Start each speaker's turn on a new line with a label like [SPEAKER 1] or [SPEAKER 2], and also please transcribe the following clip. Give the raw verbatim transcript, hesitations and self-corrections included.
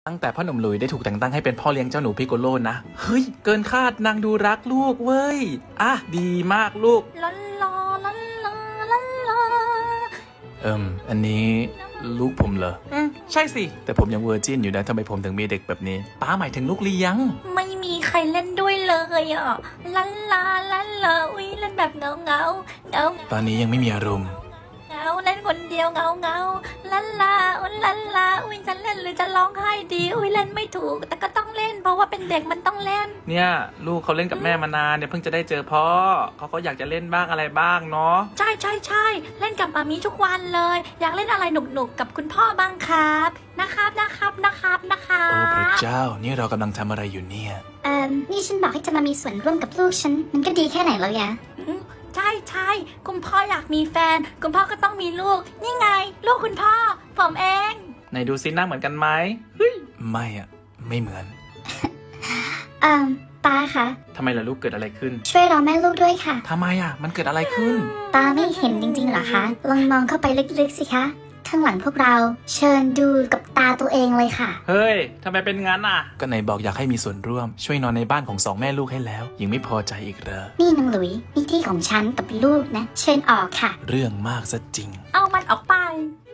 [SPEAKER 1] ตั้งแต่พ่อหนุ่มหลุยได้ถูกแต่งตั้งให้เป็นพ่อเลี้ยงเจ้าหนูพิโกโลนะเฮ้ยเกินคาดนางดูรักลูกเว้ยอ่ะดีมากลูก
[SPEAKER 2] ลันลาลันลาลันลา
[SPEAKER 1] เอิมอันนี้ลูกผมเหรออืมใช่สิแต่ผมยังเวอร์จินอยู่นะทำไมผมถึงมีเด็กแบบนี้ป้าหมายถึงลูกเลี้ยง
[SPEAKER 2] ไม่มีใครเล่นด้วยเลยอ่ะลันลาลันลาอุ้ยเล่นแบบเงาเงาเงา
[SPEAKER 1] ตอนนี้ยังไม่มีอารมณ์
[SPEAKER 2] เงาเล่นคนเดียวเงาเงาลันลาอุ้ยลันลาอุ้ยจะเล่นหรือจะร้องไห้ดีอุ้ยเล่นไม่ถูกแต่ก็ต้องเล่นเพราะว่าเป็นเด็กมันต้องเล่น
[SPEAKER 1] เนี่ยลูกเขาเล่นกับแม่มานานเนี่ยเพิ่งจะได้เจอพ่อเขาก็อยากจะเล่นบ้างอะไรบ้างเนาะ
[SPEAKER 2] ใช่ใช่ใช่เล่นกับมามีทุกวันเลยอยากเล่นอะไรหนุกๆกับคุณพ่อบ้างครับนะครับนะครับนะครับนะครับ
[SPEAKER 1] โอ้พระเจ้านี่เรากำลังทำอะไรอยู่เนี่ย
[SPEAKER 3] เอ่อนี่ฉันบอกให้จะมามีส่วนร่วมกับลูกฉันมันก็ดีแค่ไหนแล้วยะ
[SPEAKER 2] ใช่ใช่คุณพ่ออยากมีแฟนคุณพ่อก็ต้องมีลูกนี่ไงลูกคุณพ่อผมเอง
[SPEAKER 1] ไหนดูซิหน้าเหมือนกันไหมเฮ้ยไม่อะไม่เหมือน
[SPEAKER 3] เอ่อตาคะ
[SPEAKER 1] ทำไมล่ะลูกเกิดอะไรขึ้น
[SPEAKER 3] ช่วยรอแม่ลูกด้วยค่ะ
[SPEAKER 1] ทำไมอะมันเกิดอะไรขึ้น
[SPEAKER 3] ตาไม่เห็นจริงๆเหรอคะลองมองเข้าไปลึกๆสิคะข้างหลังพวกเราเชิญดูกับตาตัวเองเลยค่ะ
[SPEAKER 1] เฮ้ยทำไมเป็นงั้นอ่ะก็ไหนบอกอยากให้มีส่วนร่วมช่วยนอนในบ้านของสองแม่ลูกให้แล้วยังไม่พอใจอีกเหรอ
[SPEAKER 3] นี่นางหลุยนี่ที่ของฉันกับลูกนะเชิญออกค่ะ
[SPEAKER 1] เรื่องมากซะจริง
[SPEAKER 2] เอามันออกไป